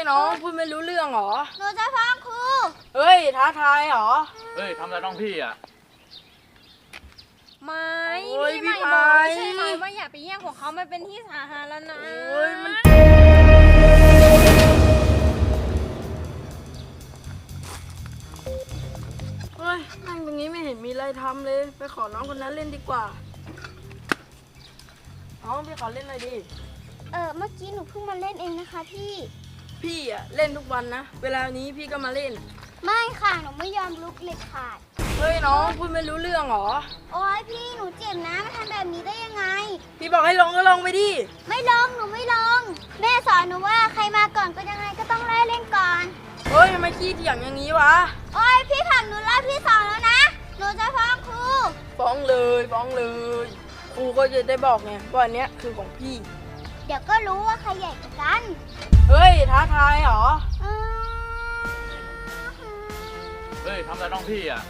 น้องพูดไม่รู้เรื่องเหรอหนูจะฟ้องครูเฮ้ยท้าทายเหรอเฮ้ยทำอะไรน้องพี่อ่ะไม่พี่ไม่บอกใช่ไหมว่าอย่าไปแย่งของเขามันเป็นที่สาธารณะเฮ้ยมันเฮ้ยนั่งตรงนี้ไม่เห็นมีอะไรทำเลยไปขอน้องคนนั้นเล่นดีกว่าน้องพี่ขอเล่นหน่อยดิเมื่อกี้หนูเพิ่งมาเล่นเองนะคะพี่อะเล่นทุกวันนะเวลานี้พี่ก็มาเล่นไม่ค่ะหนูไม่ยอมลุกเลยขาดเฮ้ยน้องพูดไม่รู้เรื่องเหรอโอ๊ยพี่หนูเจ็บนะมาทำแบบนี้ได้ยังไงพี่บอกให้ลงก็ลงไปดิไม่ลงหนูไม่ลงแม่สอนหนูว่าใครมาก่อนก็ยังไงก็ต้องไล่เล่นก่อนเฮ้ยทำไมขี้เถียงอย่างนี้วะโอ๊ยพี่ผลักหนูรอบที่สองแล้วนะหนูจะฟ้องครูฟ้องเลยครูก็จะได้บอกไงว่าอันเนี้ยคือของพี่เดี๋ยวก็รู้ว่าใครใหญ่กว่ากันเฮ้ยท้าทายเหรอเฮ้ยทำอะไรน้องพี่อ่ะ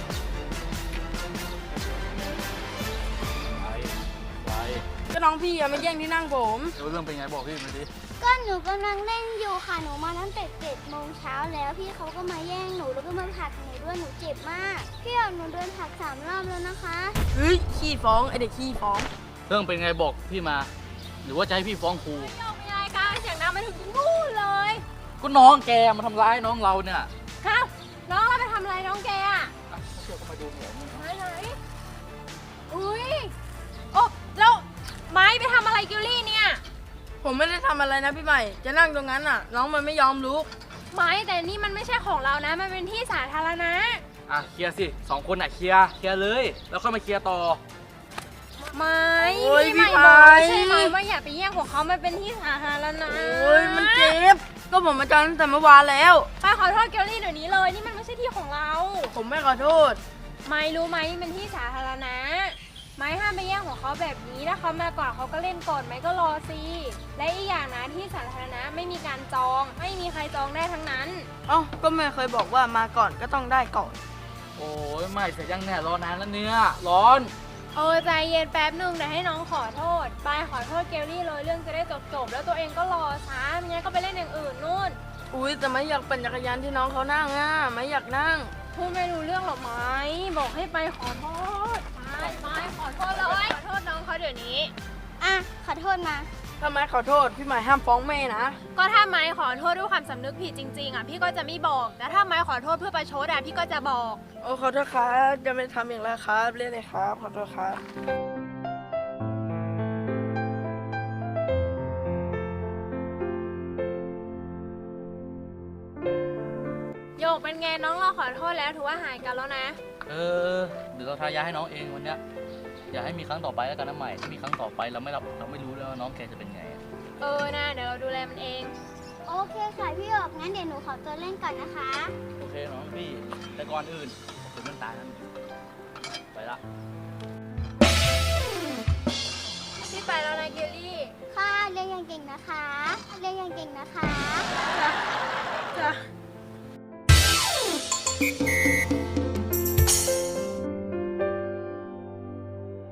ไปก็น้องพี่อะมาแย่งที่นั่งผมเรื่องเป็นไงบอกพี่มาดิก็หนูกำลังเล่นอยู่ค่ะหนูมาตั้งแต่7 โมงเช้าแล้วพี่เขาก็มาแย่งหนูแล้วก็มาผลักหนูด้วยหนูเจ็บมากพี่เอาหนูโดนผลัก3 รอบแล้วนะคะเฮ้ยขี้ฟ้องไอเด็กขี้ฟ้องเรื่องเป็นไงบอกพี่มาหรือว่าจะให้พี่ฟ้องครูไม่ยอมไม่ได้ค่ะเสียงดังมาถึงนู่นเลยก็น้องแกมาทำร้ายน้องเราเนี่ยครับน้องเราไปทำอะไรน้องแกอ่ะเชื่อก็มาดูหน่อยไหนอุ้ยโอ้แล้วไม้ไปทำอะไรกิลลี่เนี่ยผมไม่ได้ทำอะไรนะพี่ใหม่จะนั่งตรงนั้นน่ะน้องมันไม่ยอมลุกไม้แต่นี่มันไม่ใช่ของเรานะมันเป็นที่สาธารณะเคลียร์สิ2 คนเคลียร์เลยแล้วค่อยมาเคลียร์ต่อพี่ใหม่บอกใช่ไหมว่าอย่าไปแย่งของเขามันเป็นที่สาธารณะมันเจ็บก็ผมมาจอนตั้งแต่เมื่อวานแล้วไปขอโทษเกลลี่เดี๋ยวนี้เลยนี่มันไม่ใช่ที่ของเราผมไม่ขอโทษไม่รู้ไหมนี่เป็นที่สาธารณะไม่ห้ามไปแย่งของเขาแบบนี้ถ้าเขามาก่อนเขาก็เล่นก่อนไม่ก็รอสิและอีกอย่างนะที่สาธารณะไม่มีการจองไม่มีใครจองได้ทั้งนั้นก็แม่เคยบอกว่ามาก่อนก็ต้องได้ก่อนโอ้ยไม่เสร็จยังเนี่ยรอนานแล้วเนี่ยร้อนใจเย็นแป๊บนึงเดี๋ยวให้น้องขอโทษไปขอโทษเกลลี่เลยเรื่องจะได้จบแล้วตัวเองก็รอช้าไม่งั้นก็ไปเล่นอย่างอื่นนู่นแต่ไม่อยากปั่นจักรยานที่น้องเขานั่งไม่อยากนั่งพูดไม่รู้เรื่องหรอไหมบอกให้ไปขอโทษไปขอโทษเลยขอโทษน้องเขาเดี๋ยวนี้ขอโทษมาทำไมขอโทษพี่ใหม่ห้ามฟ้องแม่นะก็ถ้าไม้ขอโทษด้วยความสำนึกผิดจริงๆพี่ก็จะไม่บอกแต่ถ้าไม้ขอโทษเพื่อประชดพี่ก็จะบอกขอโทษครับจะไม่ทำอย่างไรครับเรียกเลยครับขอโทษครับโยกเป็นไงน้องเราขอโทษแล้วถือว่าหายกันแล้วนะเดี๋ยวเราทายาให้น้องเองวันเนี้ยอย่าให้มีครั้งต่อไปแล้วกันนะใหม่ถ้ามีครั้งต่อไปเราไม่รู้เลยว่าน้องแกจะเป็นไงนะเดี๋ยวเราดูแลมันเองโอเคค่ะพี่หยกงั้นเดี๋ยวหนูขอตัวเล่นก่อนนะคะโอเคน้องพี่แต่ก่อนอื่นถึงมันตายนั้นไปละพี่ไปแล้วนะเกลลี่ค่ะเรียนอย่างเก่งนะคะเรียนอย่างเก่งนะคะจ้ะ